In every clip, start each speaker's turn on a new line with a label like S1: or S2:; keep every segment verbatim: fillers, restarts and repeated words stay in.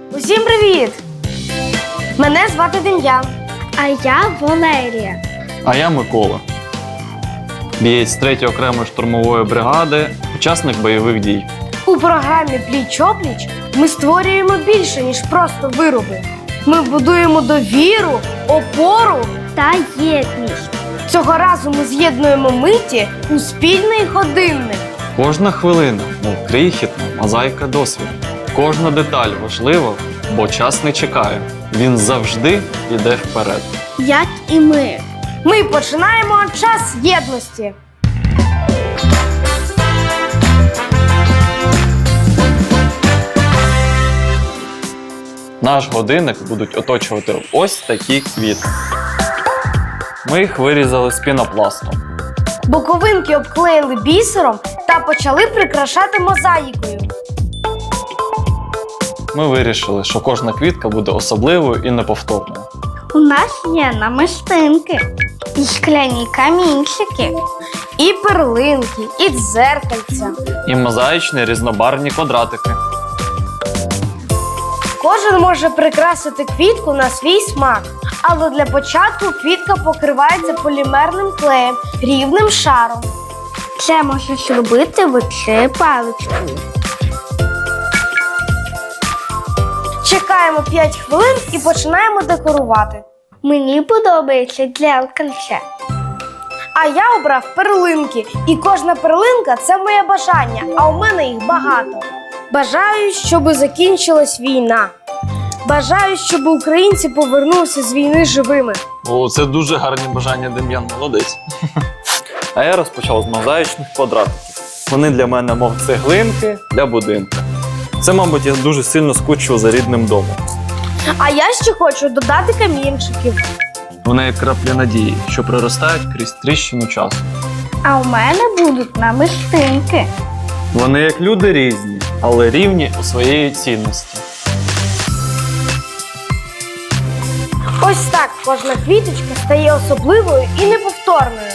S1: Усім привіт! Мене звати Дем'ян.
S2: А я Валерія.
S3: А я Микола. Бієць третьої окремої штурмової бригади, учасник бойових дій.
S1: У програмі «Пліч-опліч» ми створюємо більше, ніж просто вироби. Ми будуємо довіру, опору.
S2: Та єдність.
S1: Цього разу ми з'єднуємо миті у спільний годинник.
S3: Кожна хвилина, мов крихітна мозаїка досвіду. Кожна деталь важлива, бо час не чекає. Він завжди йде вперед.
S2: Як і ми.
S1: Ми починаємо час єдності.
S3: Наш годинник будуть оточувати ось такі квіти. Ми їх вирізали з пінопласту.
S1: Боковинки обклеїли бісером та почали прикрашати мозаїкою.
S3: Ми вирішили, що кожна квітка буде особливою і неповторною.
S2: У нас є намистинки, і шкляні камінчики,
S1: І перлинки, і дзеркальця.
S3: І мозаїчні різнобарвні квадратики.
S1: Кожен може прикрасити квітку на свій смак. Але для початку квітка покривається полімерним клеєм, рівним шаром.
S2: Це можна зробити оцею паличкою.
S1: Чекаємо п'ять хвилин і починаємо декорувати.
S2: Мені подобається дзеркальце.
S1: А я обрав перлинки, і кожна перлинка – це моє бажання, а у мене їх багато. Бажаю, щоб закінчилась війна. Бажаю, щоб українці повернулися з війни живими.
S3: О, це дуже гарні бажання, Дем'ян, молодець. А я розпочав з мозаїчних квадратиків. Вони для мене мов цеглинки для будинку. Це, мабуть, я дуже сильно скучив за рідним домом.
S1: А я ще хочу додати камінчиків.
S3: Вони як краплі надії, що проростають крізь тріщину часу.
S2: А у мене будуть намистинки.
S3: Вони як люди різні, але рівні у своєї цінності.
S1: Ось так кожна квіточка стає особливою і неповторною.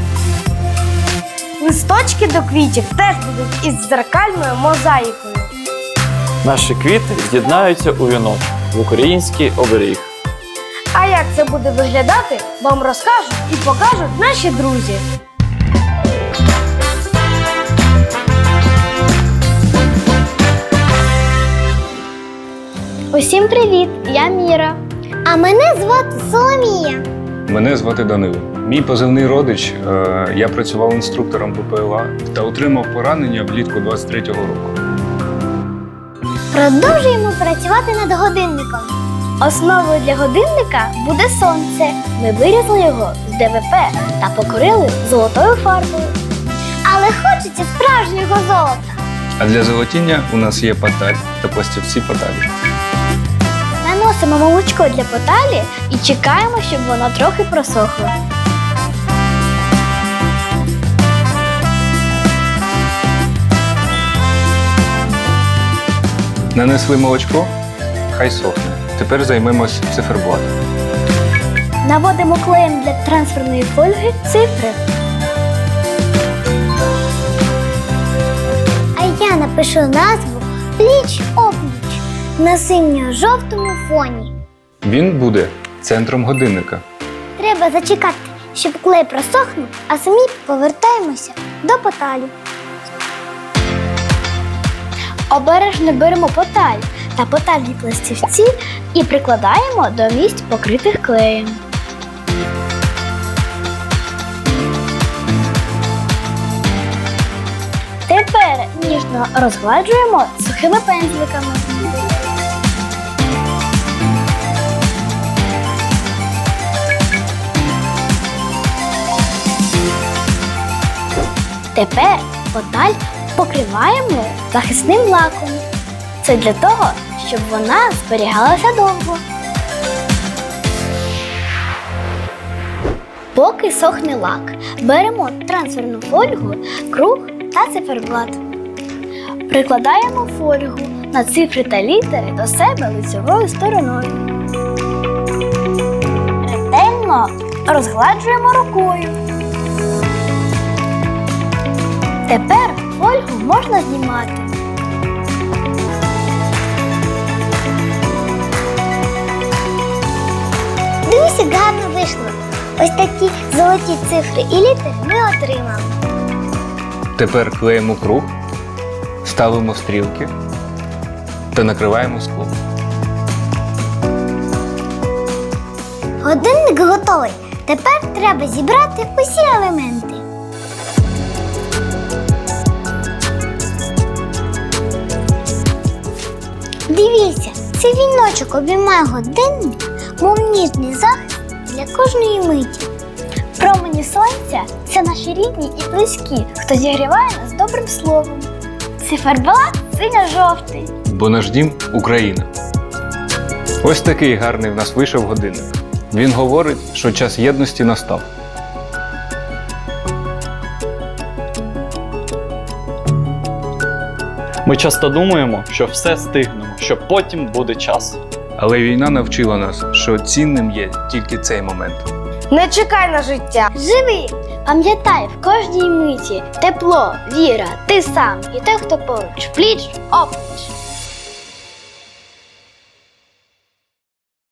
S1: Листочки до квітів теж будуть із дзеркальною мозаїкою.
S3: Наші квіти з'єднаються у віночок в український оберіг.
S1: А як це буде виглядати, вам розкажуть і покажуть наші друзі.
S2: Усім привіт! Я Міра. А мене звати Соломія.
S4: Мене звати Данило. Мій позивний родич. е, Я працював інструктором ППЛА та отримав поранення влітку двадцять третього року.
S2: Продовжуємо працювати над годинником. Основою для годинника буде сонце. Ми вирізали його з ДВП та покрили золотою фарбою. Але хочеться справжнього золота.
S4: А для золотіння у нас є паталь та пластівці паталі.
S2: Наносимо молочко для поталі і чекаємо, щоб воно трохи просохло.
S4: Нанесли молочко, хай сохне. Тепер займемось циферблатом.
S2: Наводимо клеєм для трансферної фольги цифри. А я напишу назву «Пліч-опліч» на синьо-жовтому фоні.
S4: Він буде центром годинника.
S2: Треба зачекати, щоб клей просохнув, а самі повертаємося до поталі. Обережно беремо поталь та потальні пластівці і прикладаємо до місць, покритих клеєм. Тепер ніжно розгладжуємо сухими пензликами. Тепер поталь покриваємо захисним лаком. Це для того, щоб вона зберігалася довго. Поки сохне лак, беремо трансферну фольгу, круг та циферблат. Прикладаємо фольгу на цифри та літери до себе лицевою стороною. Ретельно розгладжуємо рукою. Тепер фольгу можна знімати. Ось такі золоті цифри і літери ми отримали.
S4: Тепер клеїмо круг, ставимо стрілки та накриваємо скло.
S2: Годинник готовий. Тепер треба зібрати усі елементи. Дивіться, цей віночок обіймає годинник, мов ніжний захист для кожної миті. Промені сонця – це наші рідні і близькі, хто зігріває нас добрим словом. Циферблат синьо-жовтий.
S4: Бо наш дім – Україна. Ось такий гарний в нас вийшов годинник. Він говорить, що час єдності настав.
S3: Ми часто думаємо, що все стигнемо, що потім буде час.
S4: Але війна навчила нас, що цінним є тільки цей момент.
S1: Не чекай на життя.
S2: Живи! Пам'ятай, в кожній миті тепло, віра, ти сам і той, хто поруч, пліч опліч.